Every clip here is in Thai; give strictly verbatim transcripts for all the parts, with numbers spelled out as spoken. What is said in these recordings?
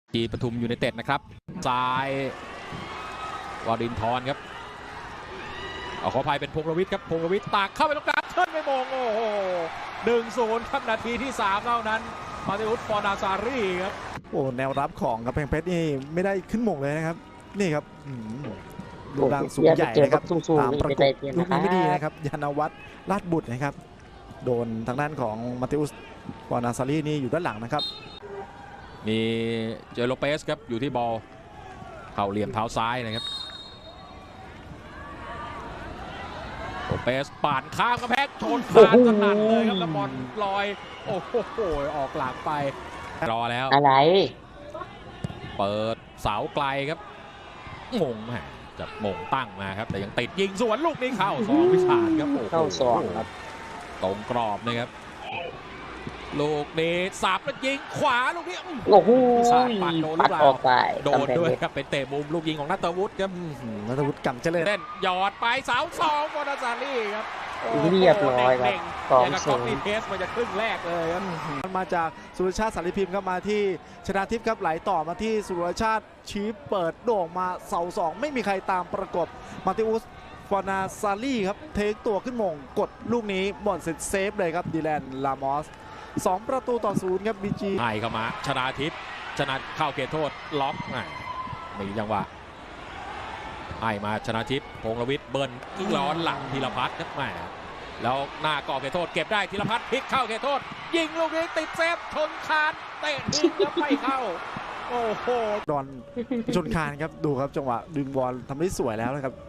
จีปทุมยูไนเต็ดนะครับซ้ายวารินทร์ครับเอาขออภัยเป็นพงษ์รวิทย์ครับพงษ์รวิทย์ตักเข้าไปตรงกลางเชิญไม่มงโอ้โหหนึ่งศูนย์ครับนาทีที่สามเท่านั้นมาติอุส ฟอร์นาซารีครับโอ้แนวรับของกำแพงเพชรนี่ไม่ได้ขึ้นหม่งเลยนะครับนี่ครับดูดังสูงใหญ่นะครับตามประกบลูกนี้ไม่ดีนะครับยานวัฒน์ลาดบุตรนะครับโดนทางด้านของมาติอุส ฟอร์นาซารีนี่อยู่ด้านหลังนะครับมีเจโรเปสครับอยู่ที่บอลเข่าเหลี่ยมเท้าซ้ายนะครับโรเปสป่านข้ามกระแพงชนคานสนั่นเลยครับแล้วบอลลอยโอ้โหออกหลังไปรอแล้วอะไรเปิดเสาไกลครับมงแหมจะมงตั้งมาครับแต่ยังติดยิงสวนลูกนี้เข้าสองวิชาญครับเข้าสองครับตรงกรอบนะครับลูกนี้สับแล้วยิงขวาลูกนี้โอ้โหปัดโดนหรือเปล่าโดนด้วยครับเป็นเตะมุมลูกยิงของนัทวุฒิครับนัทวุฒิกำเจริญเล่นหยอดไปเสาสองฟอร์นาซารีครับเรียบร้อยครับสองศูนย์เทสมาจากครึ่งแรกเลยครับมาจากสุรชาติสารีพิมพ์ครับมาที่ชนาทิพย์ครับไหลต่อมาที่สุรชาติชี้เปิดโด่งมาเสาสองไม่มีใครตามประกบมาติอุส ฟอร์นาซารีครับเทคตัวขึ้นมงกดลูกนี้บอลเสร็จเซฟเลยครับดีแลนลามอสสองประตูต่อศูนย์ครับบีจีให้เข้ามาชนาทิพย์ชนะเข้าเขตโทษล็อกมีจังหวะให้มาชนาทิพย์พงษ์รวิทย์เบิ้ลยิงร้อนหลังธีรพัฒน์ครับแหมแล้วหน้าก่อเขตโทษเก็บได้ธีรพัฒน์พลิกเข้าเขตโทษยิงลูกนี้ติดเซฟชนคานเตะทิ้งแล้วไม่เข้าโอ้โหดอนชนคานครับดูครับจังหวะดึงบอลทำได้สวยแล้วนะครับ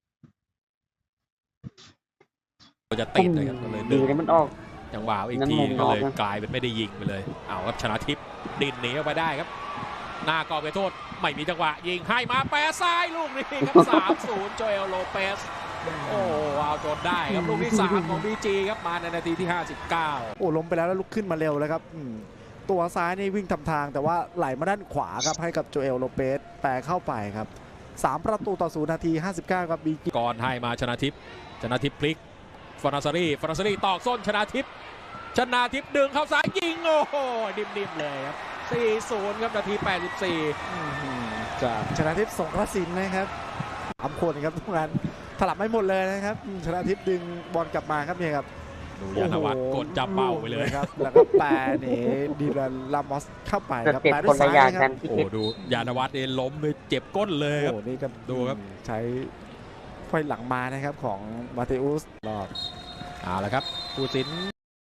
จะติดเลยครับเลยดึงมันออกจังหวะอีกทีก็เลยกลายเป็นไม่ได้ยิงไปเลยเอาครับชนะทิพย์ดินหนีออกไปได้ครับหน้ากรอบเขตโทษไม่มีจังหวะยิงให้มาแปะซ้ายลูกนี้ครับสามศูนย์โจเอลโลเปสโอ้เอาจนได้ครับลูกที่สามของบีจีครับมาในนาทีที่ห้าสิบเก้าโอ้ล้มไปแล้วแล้วลุกขึ้นมาเร็วแล้วครับตัวซ้ายนี่วิ่งทำทางแต่ว่าไหลมาด้านขวาครับให้กับโจเอลโลเปสแปะเข้าไปครับสามประตูต่อศูนย์นาทีห้าสิบเก้าครับบีจีก่อนให้มาชนะทิพย์ชนะทิพย์พลิกฟอร์นาซารีฟอร์นาซารีตอกส้นชนะทิพย์ชนะทิพย์ดึงเข้าซ้ายยิงโอ้โหดิมๆเลยครับสี่ศูนย์ครับนาทีแปดสิบสี่จากชนะทิพย์สงกระสินนะครับสามคนครับทุกงานถลับไม่หมดเลยนะครับชนะทิพย์ดึงบอลกลับมาครับเนี่ยครับดูยานวัฒน์กดจับเป้าไปเลยครับแล้วก็แปรนี่ดีแลนลามอสเข้าไปครับแปรด้วยซ้ายครับโอ้ดูยานวัฒน์เองล้มเลยเจ็บก้นเลยครับโอ้นี่ก็ดูครับใช้ไฟหลังมานะครับของมาเตอุสรอดเอาละครับผู้สิน